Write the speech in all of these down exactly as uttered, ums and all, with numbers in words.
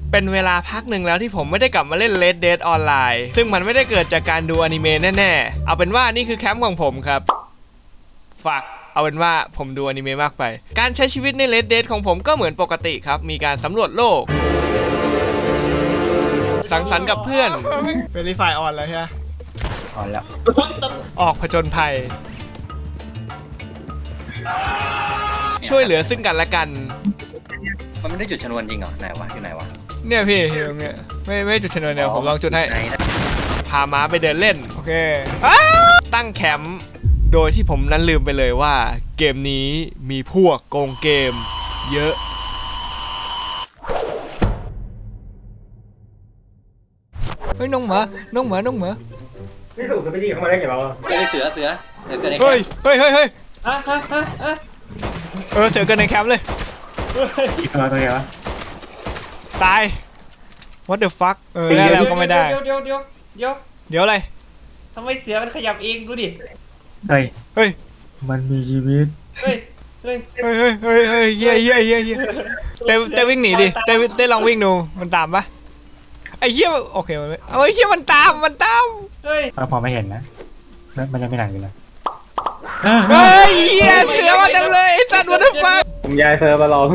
เป็นเวลาพักหนึ่งแล้วที่ผมไม่ได้กลับมาเล่น Red Dead Online ซึ่งมันไม่ได้เกิดจากการดูอนิเมะแน่ๆเอาเป็นว่านี่คือแคมป์ของผมครับฝากเอาเป็นว่าผมดูอนิเมะมากไปการใช้ชีวิตใน Red Dead ของผมก็เหมือนปกติครับมีการสำรวจโลกสังสรรค์กับเพื่อน Verify on แล้วใช่ไหมออนแล้วออกผจญภัยช่วยเหลือซึ่งกันและกันมันไม่ได้จุดชนวนจริงเหรอไหนวะอยู่ไหนวะเนี่ยพี่อยู่ตรงเนี้ยไม่ไม่จุดชนวนเดียวผมลองจุดให้พาม้าไปเดินเล่นโอเคตั้งแคมป์โดยที่ผมนั้นลืมไปเลยว่าเกมนี้มีพวกโกงเกมเยอะเฮ้ยน้องหมาน้องหมาน้องหมาไม่ถูกจะไปดีเข้ามาได้ไงเราเฮ้ยเสือเสือเสือเกิดในแคเฮ้ยมป์เฮ้ยเฮ้ยเฮ้ยอ่ะอ่ะอ่ะอ่ะเออเสือเกินในแคมป์เลยอีกตัวตัวเดียววะตาย what the fuck เออแล้วเราก็ไม่ได้เดี๋ยวเดี๋ยวเดี๋ยวเดี๋ยวเดี๋ยวอะไรทำไมเสือมันขยับเองดูดิเฮ้ยเฮ้ยมันมีชีวิตเฮ้ยเฮ้ยเฮ้ยเฮ้ยเฮ้ยเฮ้ยเฮียเฮียเฮียเฮียเต้เต้วิ่งหนีดิเต้เต้ลองวิ่งดูมันตามปะไอ้เฮียโอเคมันไม่เอาไอ้เฮียมันตามมันตามเฮ้ยเราพอไม่เห็นนะแล้วมันยังไม่หนักอยู่เลยเฮ้ยเฮียเสือมาจังเลยไอ้สัตว์ what the fuck ผมย้ายเซิร์ฟมารอ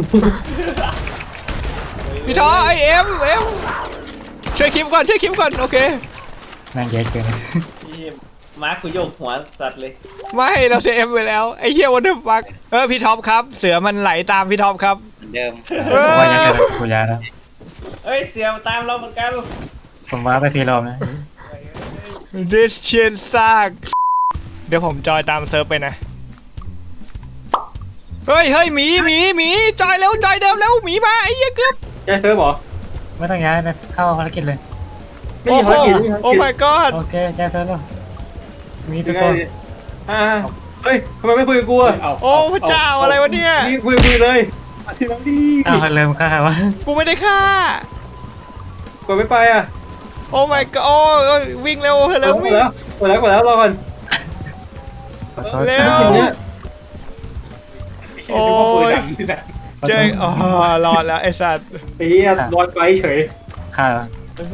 พี่ท้อไอเอ็มเอ็มช่วยคลิปก่อนช่วยคลิปก่อนโอเคนั่งเยอะเกินมาร์คกูโยกหัวสัตว์เลยไม่เราเซฟไปแล้วไอ้เหี้ยวันเดอร์ฟักเออพี่ท็อปครับเสือมันไหลตามพี่ท็อปครับเหมือนเดิมผมว่าจะเจอกูยาแล้วเฮ้ยเสือตามเราเหมือนกันผมว่าไปทีรอบนะ this shit sucks เดี๋ยวผมจอยตามเซิร์ฟไปนะเฮ้ยเฮ้ยหมีหมีหมีจอยเร็วจอยเดิมแล้วหมีมาไอ้เหี้ยเกือบย้ายเซิร์ฟเหรอไม่ต้องย้ายนะเข้าภารกิจเลยไม่โอ้มีโหภารกิจไม่มีภารโอ้กิจ my god โอเคย้ายเซิร์ฟแล้วมีทุยักงไงคนอ่าเฮ้ยทำไมไม่คุยกับกูอ่ะโอ้พระเจ้าอะไรวะเนี่ยนี่คุยคุยเลยมาทีหลังดีอ้าวเริ่มฆ่าวะกูไม่ได้ฆ่ากดไม่ไปอ่ะโอ้ my god โอ้ยวิ่งเร็วกเร็วดวิ่งแล้วกดแล้วกดแล้วรอก่อนเร็ว โอ้ยเจ๊อ๋อรอดแล้วไอ้สัตว์ไอ้เหี้ยรอดไปเฉยฆ่าวะ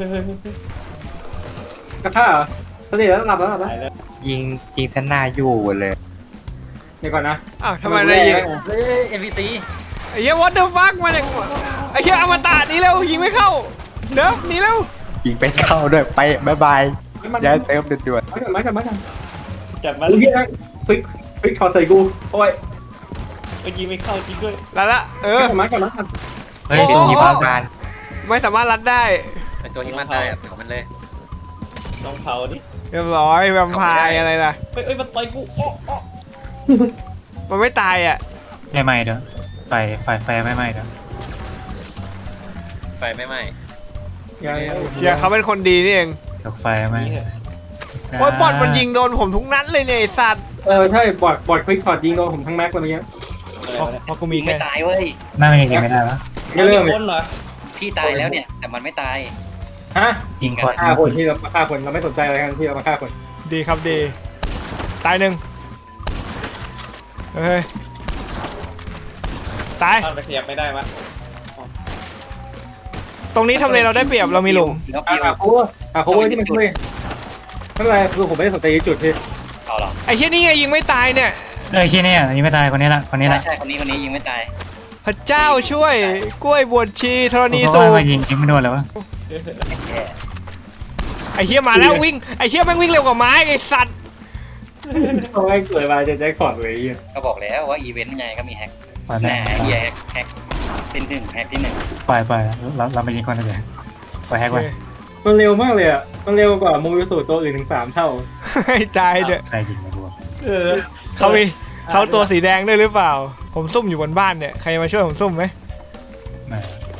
กระท่าเหรอสติแล้วหลับแล้วหลับแล้วยิงยิงท่านหน้าอยู่เลยเดี๋ยวก่อนนะอ้าวทำไมได้ยิงเฮ้ยเอ็มพีซีไอ้เหี้ย what the fuck มาเนี่ยไอ้เหี้ยอมตะหนีเร็วยิงไม่เข้าเด้อหนีเร็วยิงไปเข้าด้วยไปบายบายย้ายเติมด่วนมากันมากันมากันจับมาอุ้ยเหี้ยพลิกพลิกช็อตใส่กูโอ้ยเมื่อกี้ไม่เข้าจริงด้วยแล้วละเออมากันมากันๆเฮ้ยเป็นทีมพการไม่สามารถรัดได้เป็นตัวที่มันได้อะเผามันเลยลองเผาดิเรียบร้อยแวมไพร์อะไรล่ะเฮ้ยเอ้ยมันต่อยกูอ้ออ้อมันไม่ตายอ่ะไม่ไหม้เด้อไฟไฟไฟไม่ไหม้เด้อไฟไม่ไหม้ยังยังเชียร์เขาเป็นคนดีนี่เองตกไฟไหมโอ้ยบอลมันยิงโดนผมทุกนัดเลยเนี่ยไอ้สัตว์เออใช่บอดบอดคลิกช็อตยิงโดนผมทั้งแม็กเลยเมื่อกี้อะไรเพราะวะเนี่ยเพราะกูมียิงแค่ไม่ตายเว้ยน่ามันยังยิงไม่ได้วะไม่เริ่มเลยคนเหรอพี่ตายแล้วเนี่ยแต่มันไม่ตายฮะยิงก่อนฆ่าคนที่เราฆ่าคนเราไม่สนใจอะไรกันที่เรามาฆ่าคนดีครับดีตายหนึ่งเฮ้ยตายอ้าวไปขยับไม่ได้วะตรงนี้ทำเลเราได้เปรียบเรามีหลุมแล้วอ่าพี่อ่าโคเวอร์อ่าโคเวอร์ที่มันช่วยไม่เป็นไรคือผมไม่ได้สนใจจุดที่เอาหรอไอ้เหี้ยนี่ไงยิงไม่ตายเนี่ยเอ้ยชี้เนี่ยยิงไม่ตายคนนี้ละคนนี้ละใช่คนนี้คนนี้ยิงไม่ตายพระเจ้าช่วยกล้วยบวชชีธรณีเพราะสูว่าบมายิงยิงไม่โดนเลยวะแย่ไอ้เหี้ยมาแล้ววิ่งไอ้เหี้ยแม่งวิ่งเร็วกว่าไม้ไอ้สัตว์เขาให้เกิดมาจะแจ็คพอตเลยอ่ะก็บอกแล้วว่าอีเวนต์ไงก็มีแฮกปล่อยแหแม่น่เฮียแฮกแฮกที่หนึ่งแฮกที่หนึ่งปล่อยปล่อยเราเราไปยิงคนเดียวปล่อยแฮกไว้มันเร็วมากเลยอ่ะมันเร็วกว่าโมบิลสูตรตัวอื่นถึงสามเท่าให้ตายเด้อใครยิงไม่รู้เออเขามีเขาตัวสีแดงด้วยหรือเปล่า ผมซุ่มอยู่บนบ้านเนี่ยใครมาช่วยผมซุ่มไหมไม่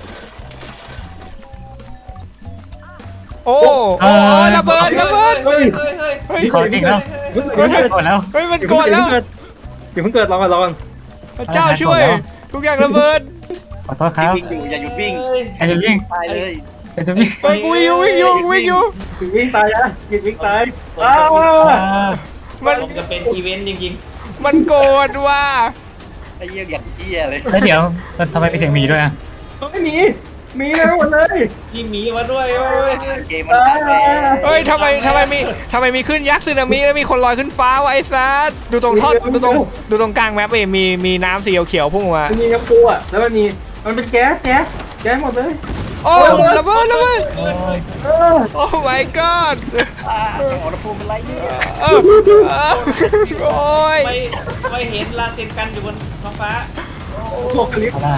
โอ้โอ้ระเบิดระเบิดเฮ้ยเฮ้ยเฮ้ยเฮ้ยขอจริงแล้วเพิ่งกดแล้วเฮ้ยมันโกรธแล้วเดี๋ยวเพิ่งเกิดรอก่อนรอก่อนพระเจ้าช่วย ทุกอย่างระเบิดขอโทษครับวิ่งอยู่อย่าหยุดวิ่งใครจะวิ่งตายเลยใครจะวิ่งไปกูวิ่งอยู่วิ่งอยู่วิ่งอยู่วิ่งตายนะวิ่งวิ่งตายอ้ามันผมจะเป็นอีเวนต์จริงมันโกรธว่ะไอ้เหี้ยอย่างเหี้ยเลยแล้วเดี๋ยวทำไมไปเสียงหมีด้วยอ่ะไม่มีมีนะหมดเลยมีหมีมาด้วยโอ้ยเกมมันพังแล้วเฮ้ยทำไมทำไมมีทำไมมีขึ้นยักษ์สึนามิแล้วมีคนลอยขึ้นฟ้าวะไอ้ซัสดูตรงท่อดูตรงดูตรงกลางแมปเองมีมีน้ำสีเขียวๆพุ่งออกมามันมีน้ำปูอ่ะแล้วมันมีมันเป็นแก๊สแก๊สแก๊สหมดเลยโอ้ระเบิดระเบิดโอ้ยเออโอ้ my god อ่าอุณหภูมิเป็นไรเนี่ยเออเออโอ้ยไม่ไม่เห็นลาเซนกันอยู่บนท้องฟ้าโลกลิฟเอาล่ะ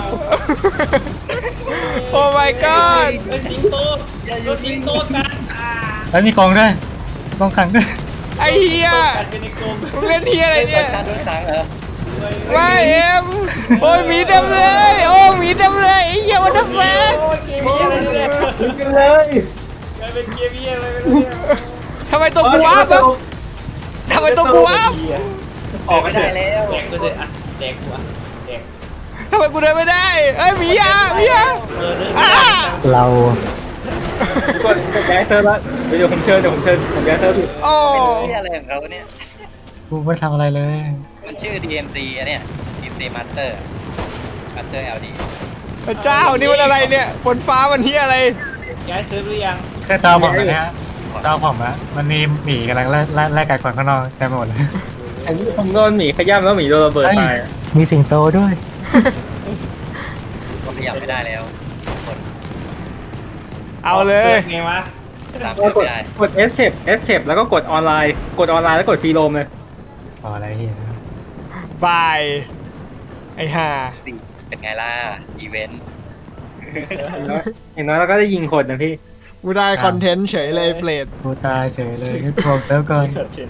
โอ้ my god เป็นสิงโตโดนสิงโตกันอ่าแล้วมีกองด้วยกองขังด้วยไอ้เหี้ยกันเป็นในกลมมึงเล่นเหี้ยอะไรเนี่ยการโดนขังเหรอไม่เอ็มโอ้ยหมีเต็มเลยโอ้หมีเต็มเลยไอ้เหี้ยวันเดอร์แฟนโอ้ยเกมเหี้ยอะไรเนี่ยลิฟกันเลยกลายเป็นเกมเหี้ยอะไรไปแล้วเนี่ยทำไมตัวกูว้าบอะทำไมตัวกูว้าบออกไม่ได้แล้วแดกก็เลยอ่ะแดกหัวแดกทำไมกูเดินไม่ได้เอ้ยหมีอ่ะหมีอ่ะเออเดินอ่ะเรากดกดย้ายเซิร์ฟแล้วเดี๋ยวผมเชิญเดี๋ยวผมเชิญผมย้ายเซิร์ฟโอ้เป็นที่อะไรของเขาเนี่ยกูไม่ทำอะไรเลยมันชื่อ ดี เอ็ม ซี อันเนี้ย ดี เอ็ม ซี Master Master แอล ดีพระเจ้านี่มันอะไรเนี่ยบนฟ้ามันเหี้ยอะไรย้ายเซิร์ฟหรือยังแค่เจ้าผมนะเนี่ยเจ้าผมนะมันมีหมีกำลังไล่ไล่ไล่กัดคนข้างนอกเต็มไปหมดเลยอันนี้ผมโดนหมีขย้ำแล้วหมีโดนระเบิดตายมีสิงโตด้วยก็ขยับไม่ได้แล้วกดเอาเลยไงวะตามก็เพื่อนกไม่ดได้กด escape escape แล้วก็กดออนไลน์กดออนไลน์แล้วกดฟรีโรมเลยพออะไรเฮียบายไอ้ห่าเป็นไงล่ะ อีเวนต์อย่างน้อยเราก็ได้ยิงคนนะพี่กูได้คอนเทนต์เฉยเลยเฟลดกูตายเฉยเลยพวกแล้วก่อน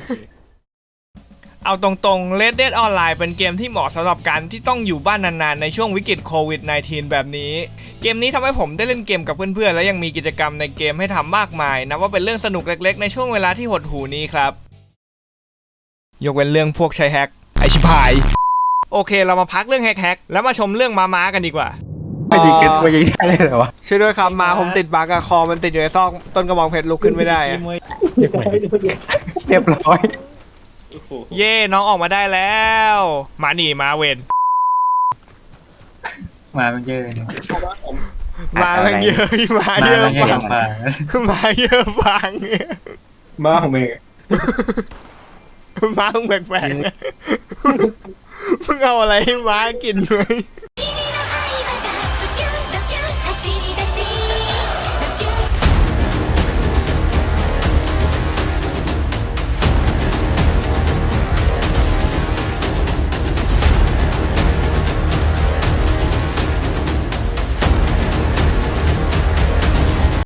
เอาตรงๆ Red Dead Online เป็นเกมที่เหมาะสำหรับการที่ต้องอยู่บ้านนานๆ ในช่วงวิกฤตโควิด สิบเก้า แบบนี้ เกมนี้ทำให้ผมได้เล่นเกมกับเพื่อนๆ และยังมีกิจกรรมในเกมให้ทำมากมายนับว่าเป็นเรื่องสนุกเล็กๆ ในช่วงเวลาที่หดหูนี้ครับ ยกเว้นเรื่องพวกใช้แฮกไอชิบหาย โอเคเรามาพักเรื่องแฮกๆแล้วมาชมเรื่องม้าๆกันดีกว่าไม่ยิงกันไม่ยิงได้เลยเหรอวะช่วยด้วยครับมาผมติดบั๊กอะคอมันติดอยู่ในซอกต้นกระบองเพชรลุกขึ้นไม่ได้อะเรียบร้อยเย่น้องออกมาได้แล้ว มาหนีมาเวนมาเป็นเยอะเนี่ยมาแม่งเยอะมามาเยอะเป็นเยฟัอะงมามาเยอะฟังบ้าของเมย์ม้ามึงแปลกๆนะมึงเอาอะไรให้ม้ากินไหม